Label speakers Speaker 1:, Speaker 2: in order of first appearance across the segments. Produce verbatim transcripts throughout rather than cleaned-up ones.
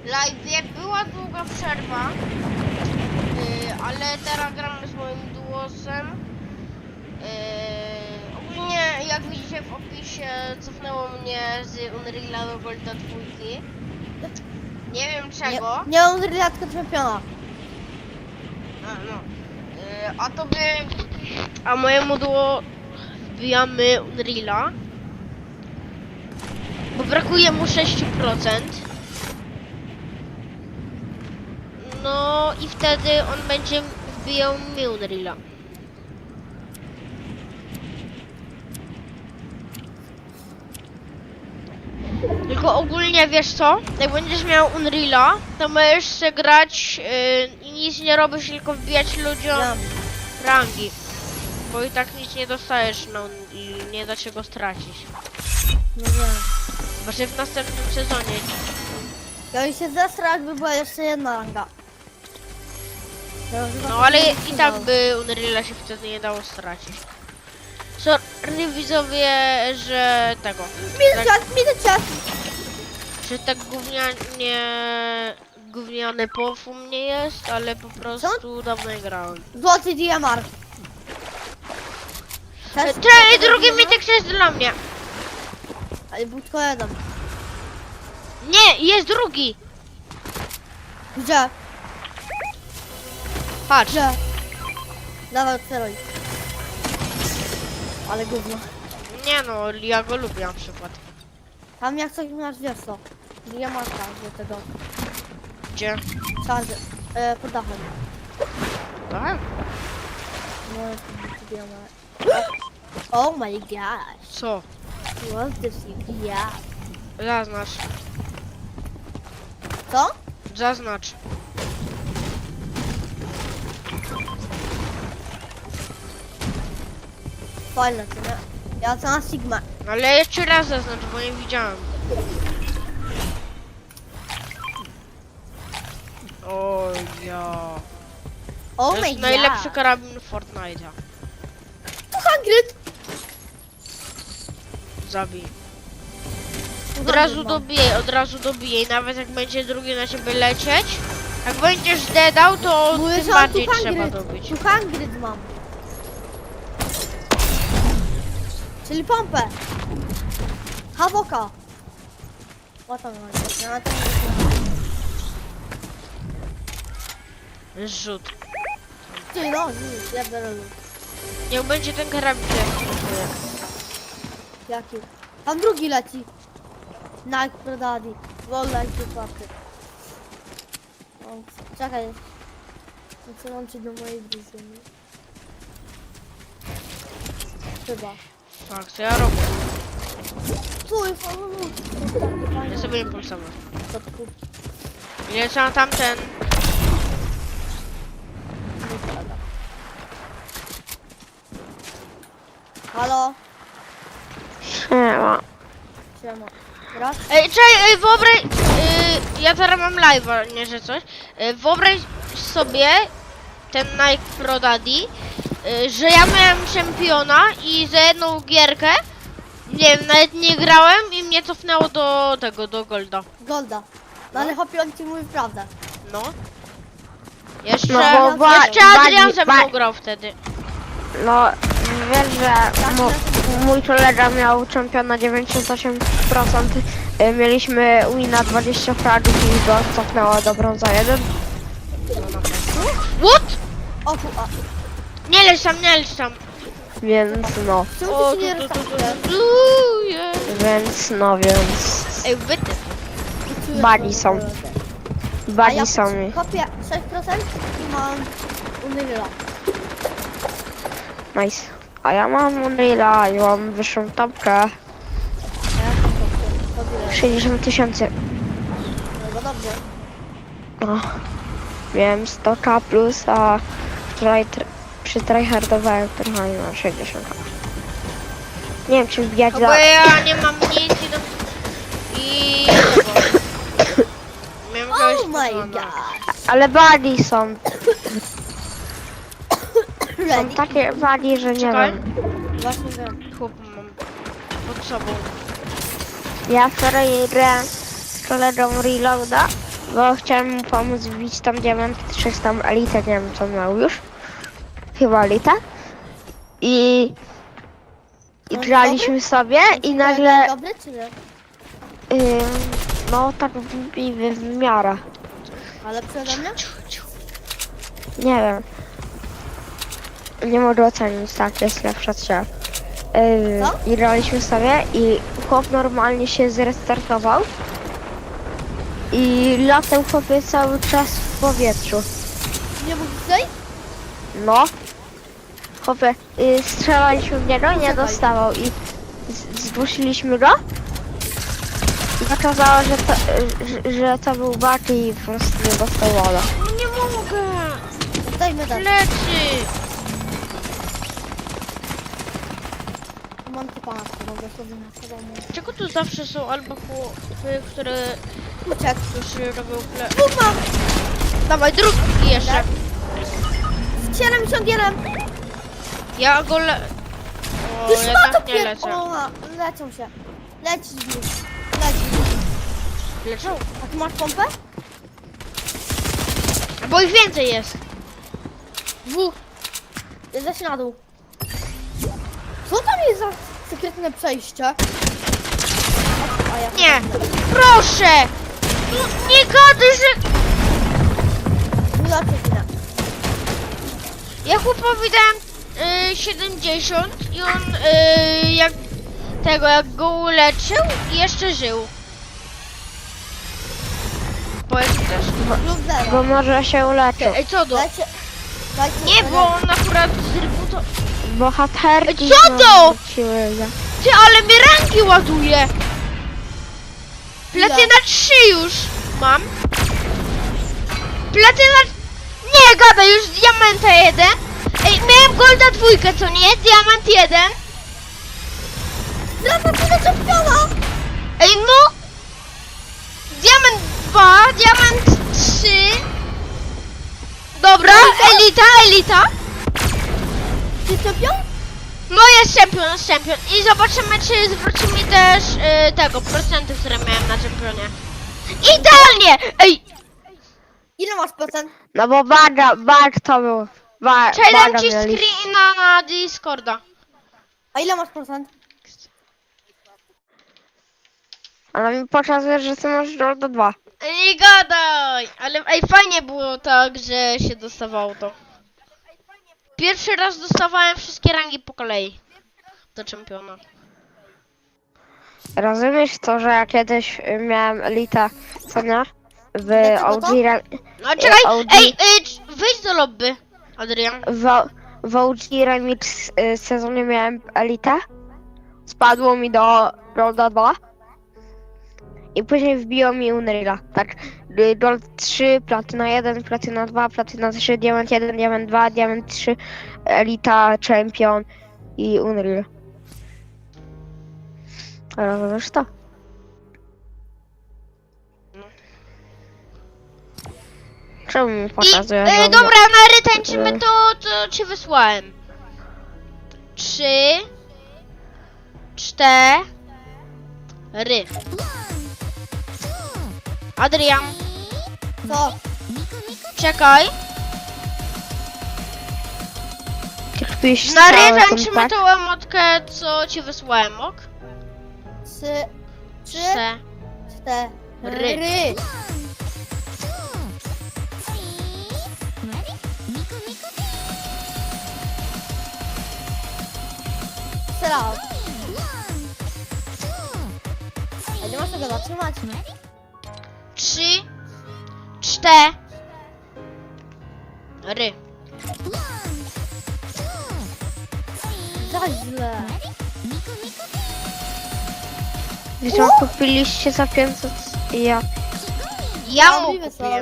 Speaker 1: live była długa przerwa, yy, ale teraz gramy z moim duosem. Yy, ogólnie jak widzicie w opisie cofnęło mnie z Unreal'a do Golda dwójki. Nie wiem czego.
Speaker 2: Nie, nie Unreal'a, tylko czempiona.
Speaker 1: A, no. Yy, a tobie, a mojemu duo wbijamy Unreal'a, bo brakuje mu sześć procent. No i wtedy on będzie wbijał mi Unreal'a. Tylko ogólnie wiesz co? Jak będziesz miał Unreal'a, to możesz sobie grać yy, i nic nie robisz, tylko wbijać ludziom
Speaker 2: Ja.
Speaker 1: rangi. Bo i tak nic nie dostajesz, no i nie da się go stracić.
Speaker 2: Nie wiem.
Speaker 1: Właśnie w następnym sezonie.
Speaker 2: Ja bym się zesrał, jakby była jeszcze jedna ranga. Ja już chyba
Speaker 1: No
Speaker 2: tak
Speaker 1: ale
Speaker 2: nie
Speaker 1: i tak
Speaker 2: wytrzymał.
Speaker 1: by Unreal'a się wtedy nie dało stracić. Sorry widzowie, że tego.
Speaker 2: Minę czas, minę czas!
Speaker 1: Że tak gównianie... gówniany pof u mnie jest, ale po prostu dawno nie grałem.
Speaker 2: Złoty D M R. Też-
Speaker 1: Czekaj, drugi mitek jest dla mnie.
Speaker 2: Ale był tylko jeden.
Speaker 1: Nie, jest drugi.
Speaker 2: Gdzie?
Speaker 1: Patrz.
Speaker 2: Gdzie? Dawaj, otwieraj. Ale gówno.
Speaker 1: Nie no, ja go lubię na przykład.
Speaker 2: Tam jak coś masz, wiesz co? D M R do tego.
Speaker 1: Gdzie?
Speaker 2: Charger. E, pod dachem.
Speaker 1: Tak?
Speaker 2: No, D M R. Oh my gosh.
Speaker 1: Co?
Speaker 2: What this yeah.
Speaker 1: Zaznacz.
Speaker 2: Co?
Speaker 1: Zaznacz.
Speaker 2: Fajne, co nie? Ja co na Sigma.
Speaker 1: Ale jeszcze raz zaznacz, bo nie widziałem. O ja.
Speaker 2: Oh
Speaker 1: To
Speaker 2: my
Speaker 1: jest
Speaker 2: god.
Speaker 1: najlepszy karabin Fortnite'a.
Speaker 2: Hagrid.
Speaker 1: Zabij. Od razu dobijaj, od razu dobijaj. Nawet jak będzie drugi na ciebie lecieć. Jak będziesz dedał, to
Speaker 2: Mówię,
Speaker 1: tym
Speaker 2: że mam
Speaker 1: bardziej
Speaker 2: tu
Speaker 1: trzeba
Speaker 2: Hagrid.
Speaker 1: dobić.
Speaker 2: Tu Hagrid mam. Czyli pompę. Hawoka. What tam mam? Ja tam
Speaker 1: Rzut.
Speaker 2: Ty no, nic, ja biorę lód.
Speaker 1: Niech będzie ten karabin.
Speaker 2: Jaki? Tam drugi leci. Nike Pro Daddy. Wolna i czwarty. O, czekaj. Muszę łączyć do mojej drużyny. Chyba.
Speaker 1: Tak, co ja robię?
Speaker 2: Tu jest o, lód.
Speaker 1: Ja sobie impulsowo.
Speaker 2: To tu.
Speaker 1: Ile trzeba tamten?
Speaker 2: Halo?
Speaker 1: Siema.
Speaker 2: Siema. Raz?
Speaker 1: Ej, czekaj, ej, wyobraź... Yy, ja teraz mam live'a, nie że coś. Yy, wyobraź sobie ten Nike Pro Daddy, yy, że ja miałem czempiona i za jedną gierkę, nie wiem, nawet nie grałem i mnie cofnęło do tego, do Golda.
Speaker 2: Golda. No ale chłopie, on ci mówi prawdę.
Speaker 1: No. Jeszcze,
Speaker 3: No, bo
Speaker 1: jeszcze
Speaker 3: ba-
Speaker 1: Adrian ze mną
Speaker 3: ba-
Speaker 1: grał wtedy.
Speaker 3: No, wiesz, że mo, mój kolega miał czempiona dziewięćdziesiąt osiem procent. y, Mieliśmy wina dwadzieścia fragów i go cofnęło do brąza jeden.
Speaker 1: What?
Speaker 2: O tu, a.
Speaker 1: Nie leć tam, nie leć tam.
Speaker 3: Więc no,
Speaker 2: Czemu
Speaker 1: O,
Speaker 2: ty się nie
Speaker 1: tu, tu, tu,
Speaker 2: restartujesz?
Speaker 1: tu, tu, jest.
Speaker 3: więc no, więc
Speaker 1: Ej, wyty.
Speaker 3: Bani są.
Speaker 2: A ja
Speaker 3: bani są mi.
Speaker 2: kopię sześć procent i mam Unreal'a.
Speaker 3: Nice. A ja mam Unreal'a i mam wyższą topkę.
Speaker 2: A ja tam kopię. Kopię.
Speaker 3: sześćdziesiąt tysięcy.
Speaker 2: No dobrze.
Speaker 3: No. Miałem sto ka plus, a wczoraj tr- przy tryhardowałem trochę na sześćdziesiąt ka. Nie wiem, czy wbijać
Speaker 1: No
Speaker 3: za...
Speaker 1: bo ja nie mam nic i... Do... I... tego. Miałem kogoś
Speaker 2: Oh my
Speaker 1: pokonać.
Speaker 2: god.
Speaker 3: Ale bani są. Są
Speaker 2: Ready?
Speaker 3: takie bani, że nie
Speaker 1: Czekaj.
Speaker 3: wiem.
Speaker 2: Właśnie wiem.
Speaker 1: Chłop mam pod sobą.
Speaker 3: Ja wczoraj grałem z kolegą Reloada bo chciałem mu pomóc wbić tam diament trzysta elitę, nie wiem co miał już. Chyba elitę. I... I
Speaker 2: On
Speaker 3: graliśmy sobie i nagle...
Speaker 2: Tak dobry, czy nie?
Speaker 3: Ym, no tak w, w, w miarę.
Speaker 2: Ale przede mnie?
Speaker 3: Nie wiem. Nie mogę ocenić, tak, jest lepsza od siebie. Yy,
Speaker 2: Co?
Speaker 3: I graliśmy sobie i chłop normalnie się zrestartował. I latał chłopie cały czas w powietrzu.
Speaker 2: Nie mógł zejść?
Speaker 3: No. Chłopie, yy, strzelaliśmy w niego, nie
Speaker 2: Poczekaj.
Speaker 3: dostawał i z- zgłosiliśmy go. I okazało, że to, że, że to był bug i po prostu nie dostał wola.
Speaker 1: No nie mogę!
Speaker 2: Dajmy dać.
Speaker 1: Leczy!
Speaker 2: Mam typa na to, mogę sobie na sobą mówić.
Speaker 1: Czego tu zawsze są albo chłopy, które
Speaker 2: Uciekł.
Speaker 1: już robią ple...
Speaker 2: Dwóch mam!
Speaker 1: Dawaj, drugi jeszcze.
Speaker 2: Z siedemdziesiąt
Speaker 1: Ja go le... O,
Speaker 2: Już ma to
Speaker 1: jednak nie
Speaker 2: pier...
Speaker 1: lecę.
Speaker 2: O, lecą się. Leci z nich. Leci.
Speaker 1: Leczą?
Speaker 2: A ty masz pompę?
Speaker 1: Bo ich więcej jest.
Speaker 2: Dwóch. Leci na dół. Co tam jest za sekretne przejście? A ja
Speaker 1: Nie! Proszę! No, nie gadaj, że...
Speaker 2: Nie lecę chwilę.
Speaker 1: Ja chłopowi dałem y, siedemdziesiąt i on y, jak tego, jak go uleczył i jeszcze żył. Powiedz też.
Speaker 2: Lub zero.
Speaker 3: Bo może się uleczył.
Speaker 1: Ej, co do?
Speaker 2: Lecie. Dajcie
Speaker 1: Nie, bo on akurat zrebutował.
Speaker 3: Bohaterki
Speaker 1: Co to?
Speaker 3: wróciły za-
Speaker 1: Ty, ale mnie rangi ładuje! Platyna trzy już mam. Platyna... Nie, gada, już diamenta jeden. Ej, miałem golda dwójkę, co nie? Diament jeden.
Speaker 2: Zresztą tyle czempiona!
Speaker 1: Ej, no! Diament dwa, diament trzy. Dobra, elita, elita.
Speaker 2: Ty czempion?
Speaker 1: No jest czempion, jest czempion. I zobaczymy, czy zwróci mi też y, tego, procenty, które miałem na czempionie. Idealnie! Ej,
Speaker 2: Ile masz procent?
Speaker 3: No bo baga, bag to był. Ba,
Speaker 1: czekaj, dam
Speaker 3: baga
Speaker 1: ci
Speaker 3: mieli.
Speaker 1: screena na Discorda.
Speaker 2: A ile masz procent?
Speaker 3: Ale mi pokazuje, że ty masz do dwa.
Speaker 1: Nie gadaj! Ale ej, fajnie było tak, że się dostawało to. Pierwszy raz dostawałem wszystkie rangi po kolei. Do czempiona.
Speaker 3: Rozumiesz to, że ja kiedyś y, miałem elita, co nie? W
Speaker 2: Dlaczego
Speaker 3: O G,
Speaker 2: to?
Speaker 3: ra-
Speaker 1: No czekaj,
Speaker 3: O G
Speaker 1: ej, ej, c- wyjdź do lobby, Adrian.
Speaker 3: w, w O G Remix y, sezonie miałem elitę. Spadło mi do Golda dwa. I później wbiło mi Unreal'a. Tak, y, Gold trzy, Platyna jeden, Platyna dwa, Platyna trzy, Diament jeden, Diament dwa, Diament trzy, Elita, Champion i Unreal. Rozumiesz to? Czemu mi
Speaker 1: I,
Speaker 3: pokazuje?
Speaker 1: e,
Speaker 3: że-
Speaker 1: dobra, na ry tańczymy,
Speaker 3: że-
Speaker 1: to, to ci wysłałem. Trzy. Cztery. Adrian,
Speaker 2: Co?
Speaker 1: czekaj.
Speaker 3: Ty kpisz
Speaker 1: Na ry
Speaker 3: cały ten
Speaker 1: tańczymy
Speaker 3: tak?
Speaker 1: tą emotkę, co ci wysłałem, ok?
Speaker 2: Trzy. Trzy.
Speaker 1: Cztery.
Speaker 2: Cztery. Strzelał. A nie masz tego zatrzymać?
Speaker 1: Trzy. Cztery.
Speaker 2: Za źle.
Speaker 3: Wiecie, kupiliście za pięćset i ja.
Speaker 1: Ja mu
Speaker 2: Możliwe są.
Speaker 1: kupiłem.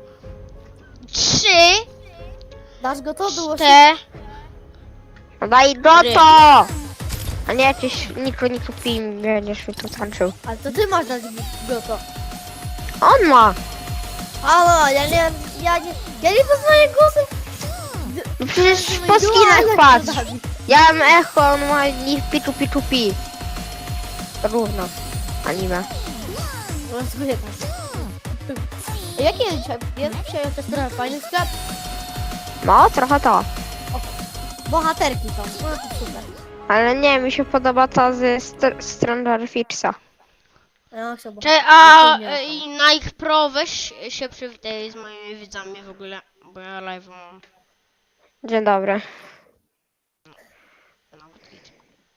Speaker 1: Trzy.
Speaker 2: Dasz go to było się...
Speaker 1: Cztery.
Speaker 3: No daj go
Speaker 1: Ry.
Speaker 3: to! A nie jakieś niko nie kupi i będziesz mi tu tańczył.
Speaker 2: Ale to ty masz dać go to.
Speaker 3: On ma!
Speaker 2: Halo, ja nie... Ja nie... Ja nie poznaję głosy.
Speaker 3: No przecież po skinach patrz! Ja mam echo, on ma niech pitu pitu pi. Równo. Anime.
Speaker 2: Rozumiem tak. Jaki jest dzisiaj? Jest dzisiaj też trochę fajny sklep.
Speaker 3: No, trochę to.
Speaker 2: Bohaterki są, no to super.
Speaker 3: Ale nie, mi się podoba ta z St- Stranger Things'a.
Speaker 2: Ja chcę bo...
Speaker 1: Cześć, a
Speaker 2: Nie,
Speaker 1: e, i Nike Pro, weź się przywitaj z moimi widzami w ogóle, bo ja live mam.
Speaker 3: Dzień dobry.
Speaker 1: Nawet widzę.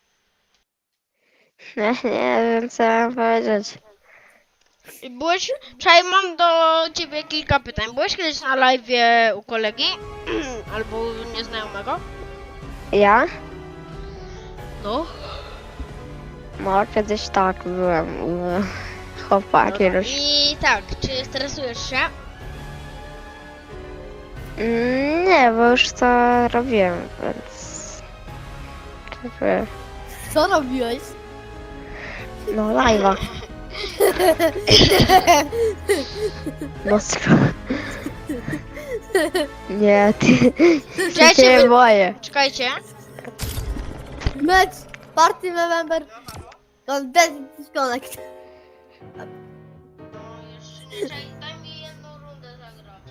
Speaker 3: Nie, nie wiem co mam powiedzieć.
Speaker 1: I Byłeś, czekaj, mam do ciebie kilka pytań. Byłeś kiedyś na live u kolegi? Albo u nieznajomego?
Speaker 3: Ja?
Speaker 1: No.
Speaker 3: No, kiedyś tak byłem u chłopaka kiedyś.
Speaker 1: I tak, czy stresujesz się?
Speaker 3: Mm, Nie, bo już to robiłem, więc... Jakby,
Speaker 2: Co robiłeś?
Speaker 3: No, live'a. No, skoro... Nie, ty... ty
Speaker 1: Czekajcie,
Speaker 3: się
Speaker 1: wy-
Speaker 3: boję.
Speaker 1: Czekajcie.
Speaker 2: Mecz, party November. Don't disconnect.
Speaker 1: No jeszcze nie, czekaj, daj mi jedną rundę zagrać.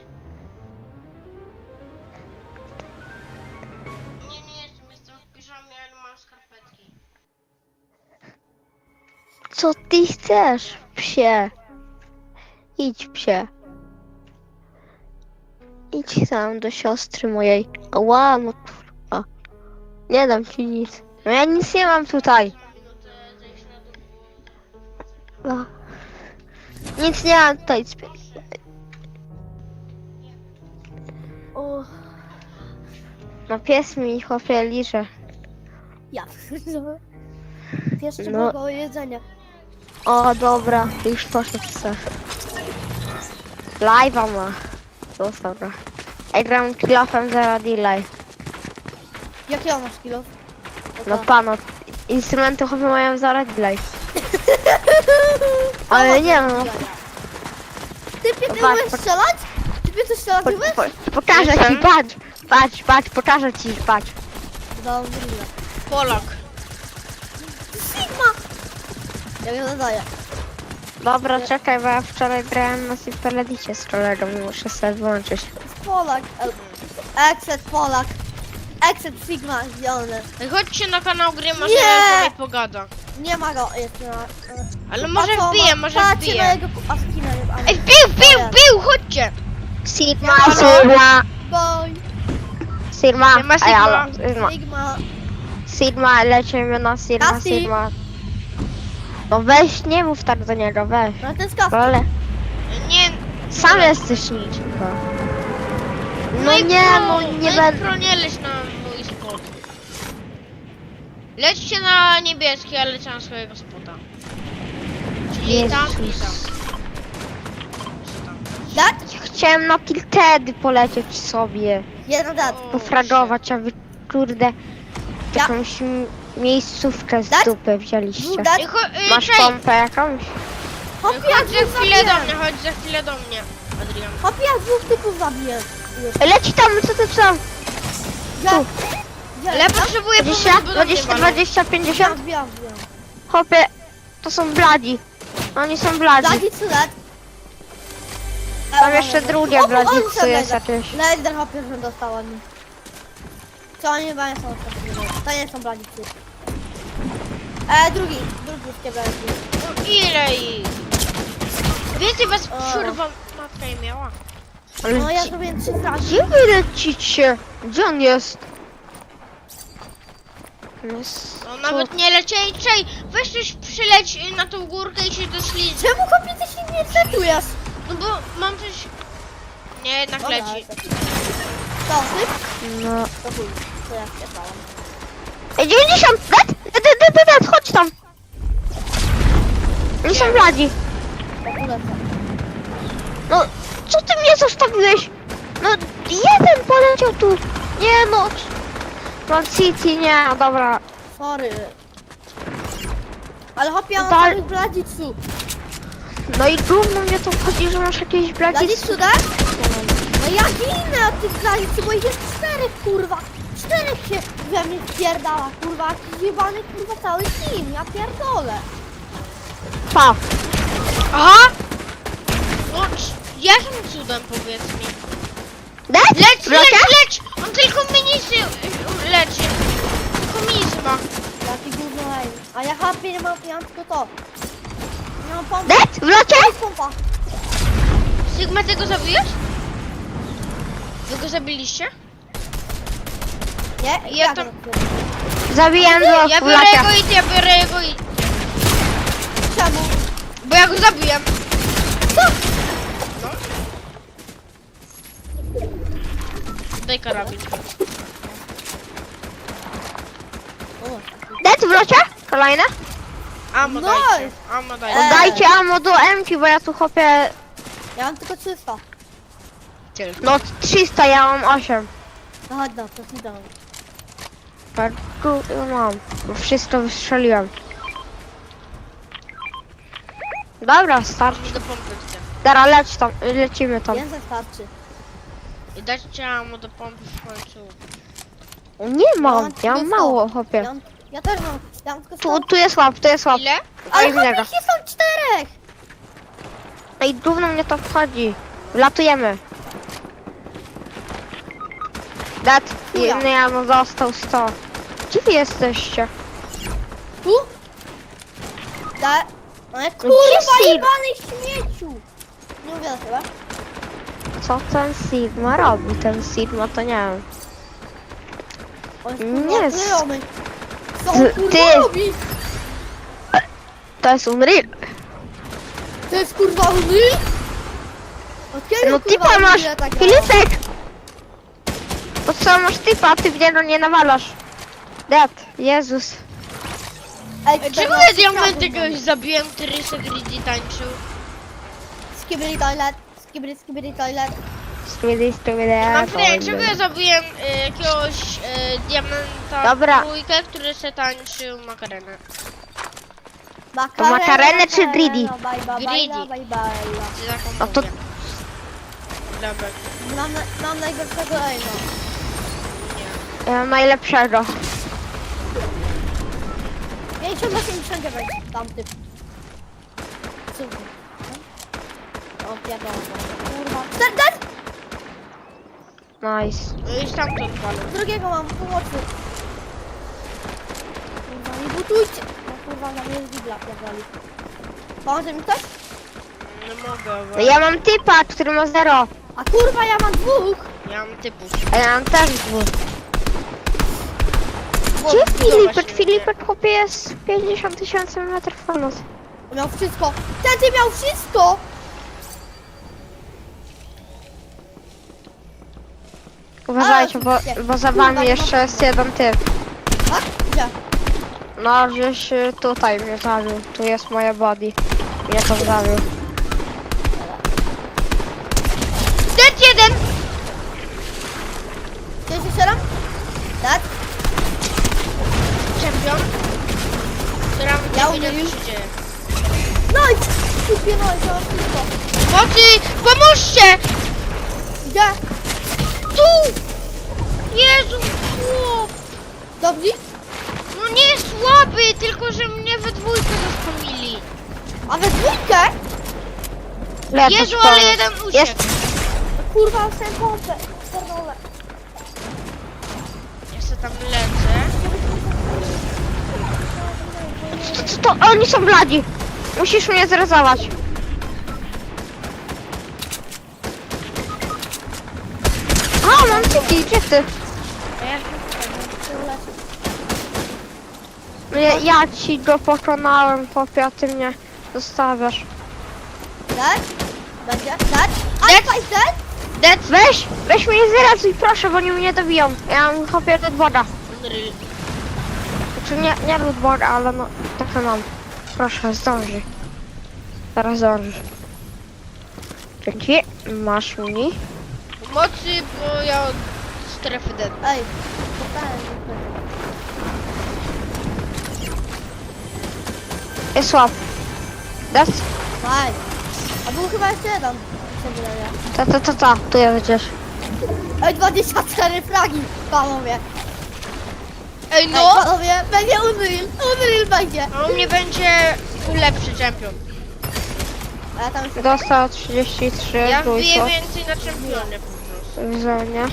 Speaker 1: Nie, nie jestem, jestem w piżamie, ale mam skarpetki.
Speaker 3: Co ty chcesz, psie? Idź, psie. Idź tam do siostry mojej. Ła, no kurwa. Nie dam ci nic. No ja nic nie mam tutaj.
Speaker 1: Minutę zejść na dół.
Speaker 3: No. Nic nie mam tutaj.
Speaker 2: O,
Speaker 3: No pies mi chłopie liże.
Speaker 2: ja. Jeszcze
Speaker 3: No.
Speaker 2: było jedzenia.
Speaker 3: O, dobra, już poszedł se. Live'a ma. Zostaw go. Ej, gram kilofem zero delay.
Speaker 2: Jakie masz kilo?
Speaker 3: No pano, instrumenty chłopie mają zero delay. Ale nie no.
Speaker 2: Typie, ty
Speaker 3: Patrz,
Speaker 2: umiesz
Speaker 3: patrz.
Speaker 2: strzelać? Typie, ty strzelać
Speaker 3: Po,
Speaker 2: umiesz?
Speaker 3: po, pokażę ci, patrz, patrz, patrz, pokażę ci, patrz.
Speaker 2: Dobrze.
Speaker 1: Polak.
Speaker 2: Sigma! Ja mnie nadaję.
Speaker 3: Dobra, czekaj, bo ja wczoraj grałem na Superledicie z kolegą i muszę sobie włączyć.
Speaker 2: Polak. el- Exit Polak. Exit Sigma zielony.
Speaker 1: Ej, chodźcie na kanał gry, może
Speaker 2: Nie!
Speaker 1: sobie pogada.
Speaker 2: Nie ma go jeszcze na...
Speaker 1: Ale może
Speaker 2: A co,
Speaker 1: wbije,
Speaker 2: ma-
Speaker 1: może
Speaker 2: patrzcie na
Speaker 1: wbije.
Speaker 2: jego a skina nie ma.
Speaker 1: Ej, wbił, wbił, wbił, chodźcie!
Speaker 3: Sigma,
Speaker 1: Halo?
Speaker 3: Sigma,
Speaker 2: Boy.
Speaker 3: Sigma,
Speaker 1: Nie ma
Speaker 3: ej,
Speaker 1: Sigma.
Speaker 3: halo, Sigma,
Speaker 2: Sigma.
Speaker 3: Sigma, lecimy na Sigma,
Speaker 2: Kasi.
Speaker 3: Sigma. No weź, nie mów tak do niego, weź.
Speaker 2: No to jest kask.
Speaker 3: Ale
Speaker 1: Nie,
Speaker 3: sam jesteś nic. No
Speaker 1: i
Speaker 3: nie,
Speaker 1: pro,
Speaker 3: no nie
Speaker 1: no i
Speaker 3: będę.
Speaker 1: pro, nie leć na mój spot. Lećcie na niebieski, ale lecie na swojego spota. Czyli tam i tam.
Speaker 3: Jezus.
Speaker 2: Dat?
Speaker 3: Chciałem na Tiltedy polecieć sobie,
Speaker 2: Jeden dat.
Speaker 1: O,
Speaker 3: pofragować, a wy kurde
Speaker 2: Ja-
Speaker 3: jakąś m- miejscówkę z
Speaker 2: Dać?
Speaker 3: dupy wzięliście.
Speaker 2: Dwóch dat?
Speaker 1: Ej, cho- ej,
Speaker 3: Masz
Speaker 1: czekaj,
Speaker 3: pompę jakąś?
Speaker 2: Hopie,
Speaker 1: chodź
Speaker 2: ja
Speaker 1: za
Speaker 2: dwóch
Speaker 1: chwilę do
Speaker 2: zabiłem.
Speaker 1: mnie, chodź za chwilę do mnie, Adrian.
Speaker 2: Hopie, ja dwóch typów zabiłem. Już.
Speaker 3: Ej, leci tam, co ty tam?
Speaker 2: Ja...
Speaker 3: Tu.
Speaker 2: Ja,
Speaker 1: Ale ja potrzebuję
Speaker 3: dwadzieścia,
Speaker 1: pomocy, bo do mnie
Speaker 3: dwadzieścia,
Speaker 1: walą.
Speaker 3: dwadzieścia,
Speaker 2: ja
Speaker 3: pięćdziesiąt?
Speaker 2: wbijam, wbijam.
Speaker 3: Hopie, to są bladzi. Oni są bladzi.
Speaker 2: Bladi czy led?
Speaker 3: Tam jeszcze drugie bladzi, co jest jakieś.
Speaker 2: Leder hopie, że dostała mi. Co oni chyba nie są ostatnie. To nie są bladzi psy. E, drugi, drugi z bladzi.
Speaker 1: No ile ich? Więcej was
Speaker 2: O.
Speaker 1: przerwa matka nie miała.
Speaker 3: Ale
Speaker 2: No ja
Speaker 3: gdzie-
Speaker 2: zrobiłem trzy fragi.
Speaker 3: Gdzie wy lecicie? Gdzie on jest? On jest
Speaker 1: No
Speaker 3: tu.
Speaker 1: nawet nie lecieli, czej, weź coś przyleć y, na tą górkę i się doszli.
Speaker 2: Czemu hopie ty się nie setujesz?
Speaker 1: No bo mam coś... Nie, jednak
Speaker 2: Dobra,
Speaker 1: leci.
Speaker 2: lecę. Co, ty?
Speaker 3: No.
Speaker 2: To chuj, to ja spierdalam.
Speaker 3: Ej, dziewięćdziesiąt! Led! Led, led, led, led, chodź tam! Oni są bladzi.
Speaker 2: Ja tu lecę.
Speaker 3: No, co ty mnie zostawiłeś? No, jeden poleciał tu. Nie no. Man City, nie, dobra.
Speaker 2: Sorry. Ale hopie, ja mam
Speaker 3: Dal-
Speaker 2: samych bladzi-cu.
Speaker 3: No i gówno mnie to chodzi, że masz jakieś bladzi.
Speaker 2: Bladzi-cu, tak? No ja ginę od tych bladzi-cu, bo ich jest czterech, kurwa. Czterech się we mnie pierdala, kurwa. Jakiś jebany, kurwa, cały team. Ja pierdolę.
Speaker 3: Pa.
Speaker 1: Aha! No, c- Jakim cudem, powiedz mi?
Speaker 3: Dead?
Speaker 1: Leć,
Speaker 3: Wrocia?
Speaker 1: leć, leć! On tylko minisy y, leczy. Tylko minisy ma.
Speaker 2: Jaki gówno hej. A ja chapie nie mam, ja mam tylko to. Nie mam pompy.
Speaker 3: Dead? W locie?
Speaker 2: To jest pompa.
Speaker 1: Sigma, ty go zabiłeś? Wy go zabiliście?
Speaker 2: Nie?
Speaker 1: Ja
Speaker 2: Jak
Speaker 1: tam-
Speaker 2: to zrobię?
Speaker 3: Zabiłem dwóch
Speaker 1: Ja
Speaker 3: w
Speaker 1: biorę
Speaker 3: locie.
Speaker 1: jego i ja biorę jego i...
Speaker 2: Czemu?
Speaker 1: Bo ja go zabiłem.
Speaker 2: Co?
Speaker 1: No. Daj karabin.
Speaker 2: O,
Speaker 3: Dead w locie? Kolejne?
Speaker 1: Amo
Speaker 2: Nice.
Speaker 1: dajcie. Amo dajcie.
Speaker 2: Eee.
Speaker 3: Dajcie ammo do M-ki, bo ja tu chopię...
Speaker 2: ja mam tylko trzysta.
Speaker 3: No trzysta, ja mam osiem.
Speaker 2: No chodź no, to ci dam.
Speaker 3: Tak, tu mam. Bo wszystko wystrzeliłem. Dobra, starczy.
Speaker 1: Do pompy chcę.
Speaker 3: Dobra, leć tam, lecimy tam.
Speaker 2: Więcej starczy.
Speaker 1: I dajcie amo do pompy w końcu.
Speaker 3: Nie mam,
Speaker 2: mam
Speaker 3: ja mam
Speaker 2: tylko
Speaker 3: mało
Speaker 2: Ja,
Speaker 3: chopie.
Speaker 2: mam, ja też mam. Ja mam tylko
Speaker 3: Tu,
Speaker 2: sto.
Speaker 3: tu jest łap, tu jest łap.
Speaker 1: Ile?
Speaker 2: Ale
Speaker 3: innego.
Speaker 2: chłopie, są czterech!
Speaker 3: Ej, gówno mnie to wchodzi. Wlatujemy. Dat,
Speaker 2: Chuja.
Speaker 3: jedny ja mu został sto. Gdzie wy jesteście?
Speaker 2: Tu? Da. Ale
Speaker 3: gdzie
Speaker 2: kurwa,
Speaker 3: Sid?
Speaker 2: jebany śmieciu! Nie mówię chyba.
Speaker 3: Co ten Sigma robi? Ten Sigma to nie wiem.
Speaker 2: On jest
Speaker 3: Nie
Speaker 2: kurwa
Speaker 3: jest.
Speaker 2: znajomy. Co on
Speaker 3: Ty-
Speaker 2: kurwa
Speaker 3: ty-
Speaker 2: robi?
Speaker 3: To jest Unreal.
Speaker 2: To jest kurwa Unreal? Od kiedy
Speaker 3: No
Speaker 2: kurwa
Speaker 3: typa masz,
Speaker 2: Unreal tak gra?
Speaker 3: Filipek! Po co masz typa, ty mnie no nie nawalasz. Dat, Jezus.
Speaker 2: Ej,
Speaker 1: Czemu
Speaker 2: czternaście
Speaker 1: ja diamenty
Speaker 2: kradów
Speaker 1: kogoś zabiłem, który se greedy tańczył?
Speaker 2: mam. Skibidi toilet, skibidi skibidi toilet.
Speaker 3: Stwierdzaj,
Speaker 1: Mam
Speaker 3: stwierdzaj.
Speaker 1: pytanie, czemu ja zabiłem y, jakiegoś y, diamenta
Speaker 3: Dobra.
Speaker 1: trójkę, który se tańczył makarenę?
Speaker 2: Makarena,
Speaker 3: makarenę czy
Speaker 2: makarena,
Speaker 3: greedy?
Speaker 2: bajba,
Speaker 1: Greedy.
Speaker 2: bajla, bajbala.
Speaker 1: Czy taką
Speaker 3: No to-
Speaker 1: mówię? Dobra,
Speaker 2: Mam, na, mam najgorszego aima.
Speaker 1: nie.
Speaker 3: Ja mam najlepszego.
Speaker 2: pięćdziesiąt osiemdziesiąt dziewięć, tamty. Super. O, pierdolę. Kurwa. Dead, dead!
Speaker 3: Nice.
Speaker 1: No i stamtąd palę.
Speaker 2: Drugiego mam, pomocy. Kurwa, nie butujcie. No kurwa, na mnie jest bibla, pierdoli. Pomoże mi ktoś?
Speaker 1: Nie mogę, bo
Speaker 3: No ja mam typa, który ma zero.
Speaker 2: A kurwa, ja mam dwóch.
Speaker 1: ja mam typów.
Speaker 3: A ja mam też dwóch.
Speaker 1: Bo
Speaker 3: Gdzie
Speaker 1: budowa
Speaker 3: Filipek?
Speaker 1: się
Speaker 3: Filipek chłopie jest pięćdziesiąt tysięcy metrów ponad.
Speaker 2: Miał wszystko. Ten ty miał wszystko!
Speaker 3: Uważajcie,
Speaker 2: A,
Speaker 3: bo,
Speaker 2: oczywiście.
Speaker 3: bo za
Speaker 2: Kurwa,
Speaker 3: wami
Speaker 2: nie
Speaker 3: jeszcze
Speaker 2: ma-
Speaker 3: jest jeden typ.
Speaker 2: A? Gdzie?
Speaker 3: No, gdzieś y, tutaj mnie zabił. Tu jest moje body. Mnie to zabił.
Speaker 1: Dead jeden!
Speaker 2: Gdzie się strzelam? Tak?
Speaker 1: Czempion. Która
Speaker 2: Ja
Speaker 1: nie wiedział,
Speaker 2: umiem.
Speaker 1: co się dzieje.
Speaker 2: No i kupie, no i to mam wszystko.
Speaker 1: Mocy! Pomóżcie!
Speaker 2: Gdzie?
Speaker 1: Tu! Jezu, chłop!
Speaker 2: Dobrzy?
Speaker 1: No nie jest słaby, tylko że mnie we dwójkę zaspomili.
Speaker 2: A we dwójkę?
Speaker 3: Lecz
Speaker 1: Jezu,
Speaker 3: po-
Speaker 1: ale jeden uciekł.
Speaker 3: Jest.
Speaker 2: Kurwa, chcę pompę. Pierdolę.
Speaker 1: Ja se tam lecę.
Speaker 3: To, to oni są bladzi. Musisz mnie zrezować. A, mam ciki, gdzie ty?
Speaker 1: A ja
Speaker 3: Ja, ja ci go pokonałem, chłopie, a ty mnie zostawiasz.
Speaker 2: Tak? Będzie? Tak? A
Speaker 1: Dead.
Speaker 2: tak? Dead?
Speaker 3: Dead, weź, weź mnie zrezuj, proszę, bo oni mnie dobiją. Ja mam chłopie lootboarda.
Speaker 1: Unreal.
Speaker 3: Znaczy nie, nie lootboarda, ale no, takie mam. Proszę, zdąży. Zaraz zdążysz. Dzięki, masz mi.
Speaker 1: Pomocy, bo ja od strefy dead.
Speaker 2: Ej, spotkałem się.
Speaker 3: Jest słab. Dead?
Speaker 2: Aj. A był chyba jeszcze jeden. Co wydaje.
Speaker 3: Ta, ta, ta, ta, tu jest gdzieś.
Speaker 2: Ej, dwadzieścia cztery fragi, panowie.
Speaker 1: Ej
Speaker 2: Ej,
Speaker 1: no!
Speaker 2: panowie, będzie Unreal. Unreal będzie.
Speaker 1: A u mnie będzie lepszy czempion.
Speaker 2: A ja tam jeszcze...
Speaker 3: Dostał trzydzieści trzy,
Speaker 1: Ja wbiję
Speaker 3: trójkąt
Speaker 1: więcej na czempionie po prostu.
Speaker 3: w zonie.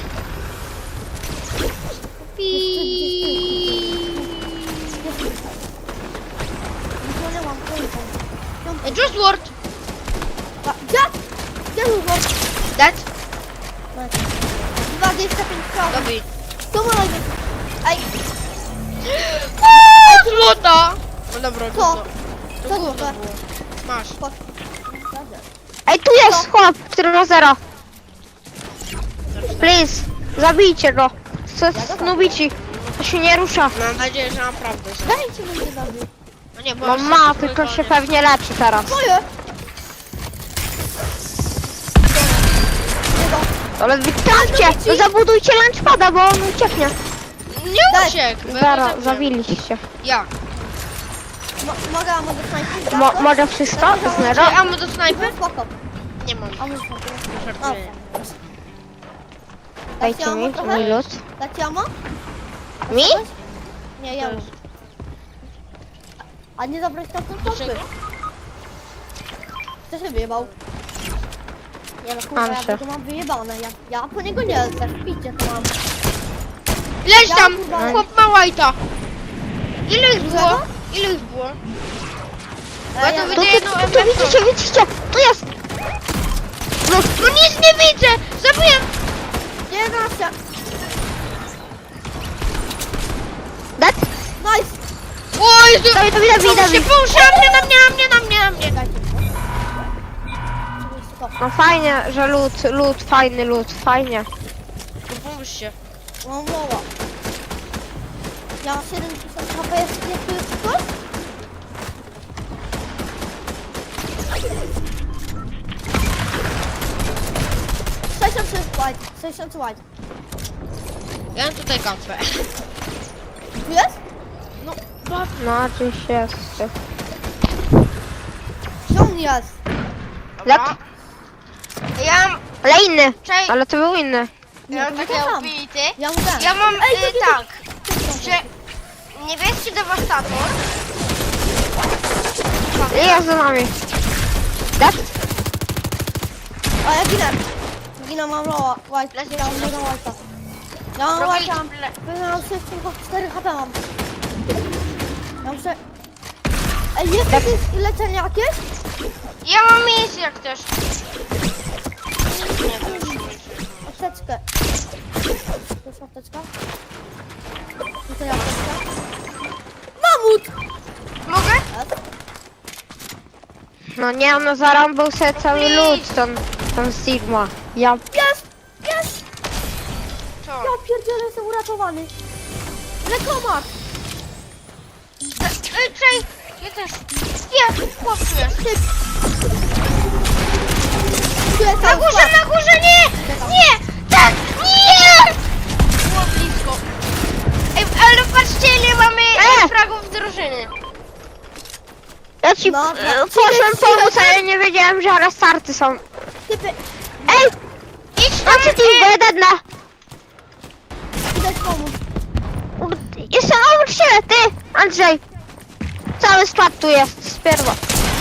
Speaker 2: Nikogo nie mam, trójką.
Speaker 1: Ej, Just Ward!
Speaker 2: A, gdzie? Gdzie był gość?
Speaker 1: Dead?
Speaker 2: dwadzieścia pięć strzałów.
Speaker 1: Dobij.
Speaker 2: Tu ma najpierw. Ej,
Speaker 1: Eee, złota! No dobra, to
Speaker 2: Co?
Speaker 1: co? To
Speaker 2: Co
Speaker 1: gówno
Speaker 2: złote?
Speaker 1: było. Masz.
Speaker 2: chodź.
Speaker 3: Ej, tu jest chłop, który ma zero. Please, zabijcie go. Co snubici? To się nie rusza.
Speaker 1: Mam nadzieję, że naprawdę się.
Speaker 2: Dajcie mi się zabić.
Speaker 1: No nie, bo
Speaker 3: No
Speaker 1: już
Speaker 3: ma,
Speaker 1: jest
Speaker 3: tylko
Speaker 1: trójkąt,
Speaker 3: się
Speaker 1: nie?
Speaker 3: pewnie leczy teraz.
Speaker 2: Moje! Jego.
Speaker 3: Ale wytrąćcie, to zabudujcie lunchpada, bo on ucieknie.
Speaker 1: Nie
Speaker 2: Daj.
Speaker 1: uciekł! bo ja go
Speaker 3: Zaraz,
Speaker 1: zabiłem.
Speaker 3: zabiliście.
Speaker 1: Ja.
Speaker 2: Mo mogę, a mogę snajpić?
Speaker 3: Mo może wszystko? Zero?
Speaker 1: Czy ammo do snajpy?
Speaker 2: No spoko.
Speaker 1: Nie mam.
Speaker 2: A mój snajper. O.
Speaker 1: Żartuję.
Speaker 3: Dajcie
Speaker 2: ammo
Speaker 3: mi,
Speaker 2: trochę?
Speaker 3: mój lód.
Speaker 2: Dacie ammo?
Speaker 3: Mi?
Speaker 2: Nie, ja już. A nie zabrać tam tą pompy.
Speaker 1: Dlaczego?
Speaker 2: Kto się wyjebał? Nie no kurwa,
Speaker 3: Mam
Speaker 2: ja
Speaker 3: się.
Speaker 2: to mam wyjebane. Ja, ja po niego nie lecę. Picie to mam.
Speaker 1: Leź
Speaker 2: Ja
Speaker 1: tam!
Speaker 2: kurwa-
Speaker 1: Chłop ma white'a. Ile ich było?
Speaker 2: Dużego?
Speaker 1: Ile ich było?
Speaker 2: E,
Speaker 1: Ja
Speaker 2: ja,
Speaker 1: to
Speaker 3: Tu,
Speaker 1: widzę
Speaker 3: tu,
Speaker 1: jedną
Speaker 3: tu, tu,
Speaker 1: M F.
Speaker 3: widzicie, widzicie, tu jest.
Speaker 1: No, no nic nie widzę! Zabiłem!
Speaker 2: jedenaście.
Speaker 3: Dead?
Speaker 2: Nice.
Speaker 1: O Jezu!
Speaker 3: Dawid, Dawid, Dawid,
Speaker 1: Pomóżcie,
Speaker 3: Dawid.
Speaker 1: pomóżcie! Na mnie, na mnie, na mnie, na mnie, na mnie!
Speaker 2: Dajcie mi to. Oczywiście to.
Speaker 3: No fajnie, że lód, lód, fajny lód, fajnie.
Speaker 1: No pomóżcie.
Speaker 2: Mam moła. Ja mam siedem tysięcy H P, jest, jest tu jest ktoś? sześćdziesiąt trzy white, sześćdziesiąt white.
Speaker 1: Ja mam tutaj kampę.
Speaker 2: Tu jest?
Speaker 1: No, patrz.
Speaker 3: No, gdzieś jest.
Speaker 2: Gdzie on jest?
Speaker 1: Dobra. Ja mam,
Speaker 3: Ale inny,
Speaker 1: czekaj,
Speaker 3: ale to był inny.
Speaker 1: ja mam
Speaker 2: to
Speaker 1: takie
Speaker 2: tam.
Speaker 1: obity.
Speaker 2: Ja mu dam.
Speaker 1: Ja mam,
Speaker 2: Ej,
Speaker 1: y,
Speaker 2: to nie
Speaker 1: tak, że niebieski dewastator.
Speaker 3: I jest za nami. Dead?
Speaker 2: A ja ginę. Ginę, mam loa. White,
Speaker 1: Lecę
Speaker 2: ja mam
Speaker 1: się.
Speaker 2: mega white'a. Ja mam
Speaker 1: Robię
Speaker 2: white'a.
Speaker 1: ple-
Speaker 2: Pewnie mam sześć, tylko cztery H P mam. Ja muszę... Ej, jest jakieś leczenie jakieś?
Speaker 1: Ja mam miejsce jak też. Nie, to już nie będzie.
Speaker 2: Apteczkę. To jest apteczka? Tutaj apteczka. Mamut!
Speaker 1: Mogę?
Speaker 2: Jest.
Speaker 3: No nie, no zarąbał sobie cały lód, ten, ten Sigma. Ja,
Speaker 2: Jest! Jest!
Speaker 1: Co?
Speaker 2: Ja pierdzielę, jestem uratowany. Lekomak!
Speaker 1: Ej, czej, ja też. Nie, chłop tu jest.
Speaker 2: Typ! Tu jest
Speaker 1: Na
Speaker 2: tam
Speaker 1: górze,
Speaker 2: skład.
Speaker 1: na górze, nie! Nie! Tak! Nie! Było blisko. Ej, ale patrzcie ile mamy
Speaker 3: E!
Speaker 1: fragów drużyny.
Speaker 3: ja ci
Speaker 2: No,
Speaker 3: e,
Speaker 2: no.
Speaker 3: poszłem pomóc, ale nie wiedziałem, że restarty są.
Speaker 2: Typy!
Speaker 3: Ej,
Speaker 1: Idź tam,
Speaker 3: macie team, bo
Speaker 1: e,
Speaker 3: jeden na...
Speaker 2: Idę ci pomóc.
Speaker 3: Jestem obok siebie, ty, Andrzej. Cały skład tu jest, z pierwa.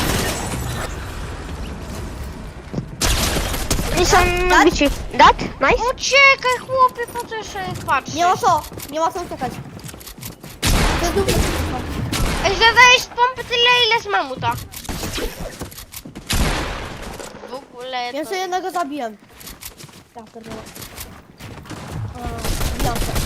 Speaker 3: I są nubici. Dat? Nice?
Speaker 1: uciekaj chłopie, po co jeszcze patrzysz?
Speaker 2: Nie ma co, nie ma co uciekać. To jest długo.
Speaker 1: Ej, zadajesz z pompy tyle ile z mamuta. W ogóle to...
Speaker 2: Jeszcze jednego zabiłem. Ja pierdolę. A, Bijam się.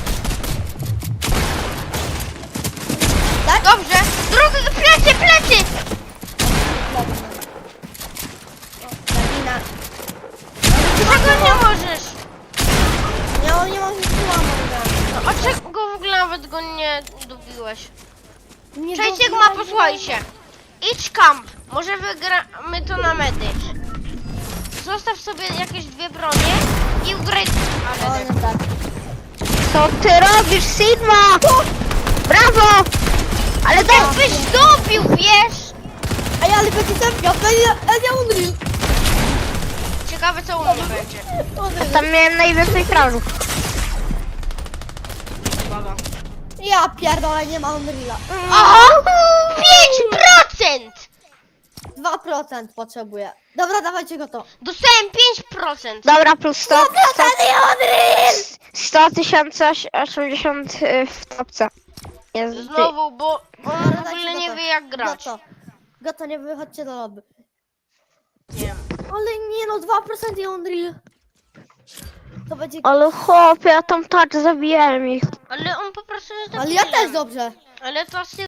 Speaker 1: Dobrze! Drugi, plecy, plecy!
Speaker 2: Lepiej. O, ja ginę.
Speaker 1: Czego nie możesz?
Speaker 2: Ja nie mam nic łamać.
Speaker 1: No, a czego w ogóle nawet go nie dobiłeś?
Speaker 2: Nie
Speaker 1: Cześć
Speaker 2: było-
Speaker 1: Sigma, posłuchajcie. Idź kamp. Może wygramy to na medy. Zostaw sobie jakieś dwie bronie i ugraj...
Speaker 2: O,
Speaker 1: Ale
Speaker 2: nie tak.
Speaker 3: Co ty robisz, Sigma? Brawo! Ale to...
Speaker 1: jakbyś dobił, wiesz?
Speaker 2: Ej, ale będzie ten, ja będę, ja Unreal.
Speaker 1: Ciekawe co u mnie będzie.
Speaker 2: Unreal.
Speaker 3: Tam miałem najwięcej frażów.
Speaker 1: Uwaga.
Speaker 2: Ja pierdolę, nie ma Unreala.
Speaker 1: Aha! pięć procent!
Speaker 2: dwa procent potrzebuję. Dobra, dawajcie go to.
Speaker 1: Dostałem pięć procent.
Speaker 3: Dobra, plus sto, sto,
Speaker 2: Ten Unreal!
Speaker 3: sto tysięcy osiemdziesiąt y, w topce. Jest dy-
Speaker 1: Znowu, bo on w
Speaker 2: Dobra,
Speaker 1: ogóle
Speaker 2: dajcie
Speaker 1: nie
Speaker 2: go to.
Speaker 1: wie jak grać.
Speaker 2: Goto. Goto, nie wychodźcie do lobby.
Speaker 1: Nie wiem.
Speaker 2: Ale nie no, dwa procent i Unreal. To będzie...
Speaker 3: Ale chłopie, ja tam tak zabijałem ich.
Speaker 1: Ale on po prostu jest
Speaker 2: Ale ja
Speaker 1: debilem.
Speaker 2: też dobrze.
Speaker 1: Ale to